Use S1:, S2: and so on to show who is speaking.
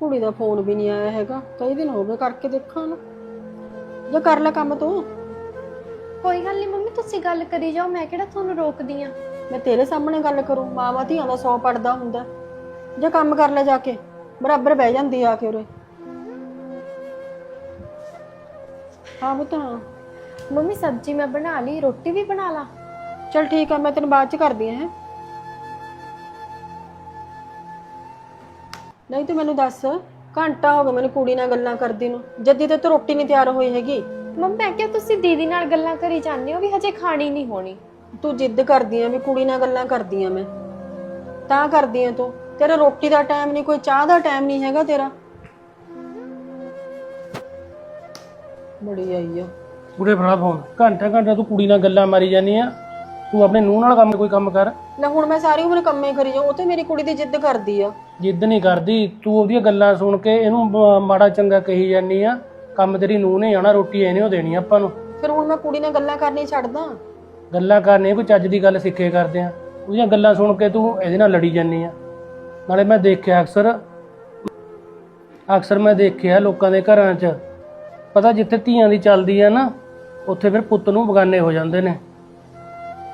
S1: ਕੁੜੀ ਦਾ ਫੋਨ ਵੀ ਨਹੀਂ ਆਇਆ ਹੈਗਾ, ਕਈ ਦਿਨ ਹੋ ਗਏ, ਕਰਕੇ ਦੇਖਾਂ ਨਾ। ਜੇ ਕਰ ਲੈ ਕੰਮ ਤੂੰ।
S2: ਕੋਈ ਗੱਲ ਨਹੀਂ ਮੰਮੀ, ਤੁਸੀਂ ਗੱਲ ਕਰੀ ਜਾਓ, ਮੈਂ ਕਿਹੜਾ ਤੁਹਾਨੂੰ ਰੋਕਦੀ ਆ।
S1: ਮੈਂ ਤੇਰੇ ਸਾਹਮਣੇ ਗੱਲ ਕਰੂੰ? ਮਾਵਾਂ ਧੀਆਂ ਦਾ 100 ਪੜਦਾ ਹੁੰਦਾ। ਜੇ ਕੰਮ ਕਰ ਲੈ ਜਾ ਕੇ, ਬਰਾਬਰ ਬਹਿ ਜਾਂਦੀ ਆ ਕੇ ਉਰੇ। ਹਾਂ ਪੁੱਤ ਹਾਂ।
S2: ਮੰਮੀ ਸਬਜ਼ੀ ਮੈਂ ਬਣਾ ਲਈ, ਰੋਟੀ ਵੀ ਬਣਾ ਲਾ।
S1: ਚਲ ਠੀਕ ਆ, ਮੈਂ ਤੈਨੂੰ ਬਾਅਦ ਚ ਕਰਦੀ ਆ। ਨਹੀਂ ਤੂੰ ਮੈਨੂੰ ਦੱਸ, ਘੰਟਾ ਹੋ ਗਿਆ ਮੈਨੂੰ ਕੁੜੀ ਨਾਲ ਗੱਲਾਂ ਕਰਦੀ ਨੂੰ, ਜੱਦੀ ਤੇ ਤੂੰ ਰੋਟੀ ਨਹੀਂ ਤਿਆਰ ਹੋਈ ਹੈਗੀ।
S2: ਮੰਮੀ ਮੈਂ ਕਿਹਾ ਤੁਸੀਂ ਦੀਦੀ ਨਾਲ ਗੱਲਾਂ ਕਰੀ ਜਾਂਦੇ ਹੋ ਵੀ ਹਜੇ ਖਾਣੀ ਨਹੀਂ ਹੋਣੀ।
S1: ਤੂੰ ਜਿੱਦ ਕਰਦੀ ਆ ਵੀ ਕੁੜੀ ਨਾਲ ਗੱਲਾਂ ਕਰਦੀ ਆ, ਮੈਂ ਤਾਂ ਕਰਦੀ ਆ। ਤੂੰ ਤੇਰਾ ਰੋਟੀ ਦਾ ਟਾਈਮ ਨਹੀਂ, ਕੋਈ ਚਾਹ ਦਾ ਟਾਈਮ ਨਹੀਂ ਹੈਗਾ ਤੇਰਾ। ਬੜੀ ਆਈ ਆ
S3: ਪੂਰੇ ਫੜਾ ਫੋਨ। ਘੰਟਾ ਘੰਟਾ ਤੂੰ ਕੁੜੀ ਨਾਲ ਗੱਲਾਂ ਮਾਰੀ ਜਾਂਦੀ ਆ। ਤੂੰ ਆਪਣੇ ਨੂੰਹ ਨਾਲ ਕੋਈ ਕੰਮ ਕਰ
S1: ਲੈ। ਹੁਣ ਮੈਂ ਸਾਰੀ ਉਮਰ ਕੰਮੇ ਕਰੀ ਜਾਉ, ਉਹ ਤੇ ਮੇਰੀ ਕੁੜੀ ਦੀ ਜਿੱਦ ਕਰਦੀ ਆ।
S3: ਜਿੱਦ ਨਹੀਂ ਕਰਦੀ ਤੂੰ, ਉਹਦੀਆਂ ਗੱਲਾਂ ਸੁਣ ਕੇ ਇਹਨੂੰ ਮਾੜਾ ਚੰਗਾ ਕਹੀ ਜਾਂਦੀ ਆ। ਕੰਮ ਤੇਰੀ ਨੂੰਹ ਨੇ ਆਉਣਾ, ਰੋਟੀ ਇਹਨੇ ਉਹ ਦੇਣੀ ਆਪਾਂ ਨੂੰ।
S1: ਫਿਰ ਹੁਣ ਮੈਂ ਕੁੜੀ ਨਾਲ ਗੱਲਾਂ ਕਰਨੀ ਛੱਡਦਾ?
S3: ਗੱਲਾਂ ਕਰਨੀਆਂ ਕੋਈ ਚੱਜ ਦੀ ਗੱਲ ਸਿੱਖੇ ਕਰਦੇ ਆ। ਉਹਦੀਆਂ ਗੱਲਾਂ ਸੁਣ ਕੇ ਤੂੰ ਇਹਦੇ ਨਾਲ ਲੜੀ ਜਾਂਦੀ ਆ। ਨਾਲੇ ਮੈਂ ਦੇਖਿਆ ਅਕਸਰ ਮੈਂ ਦੇਖਿਆ ਲੋਕਾਂ ਦੇ ਘਰਾਂ 'ਚ, ਪਤਾ ਜਿੱਥੇ ਧੀਆਂ ਦੀ ਚੱਲਦੀ ਆ ਨਾ, ਉੱਥੇ ਫਿਰ ਪੁੱਤ ਨੂੰ ਬਗਾਨੇ ਹੋ ਜਾਂਦੇ ਨੇ।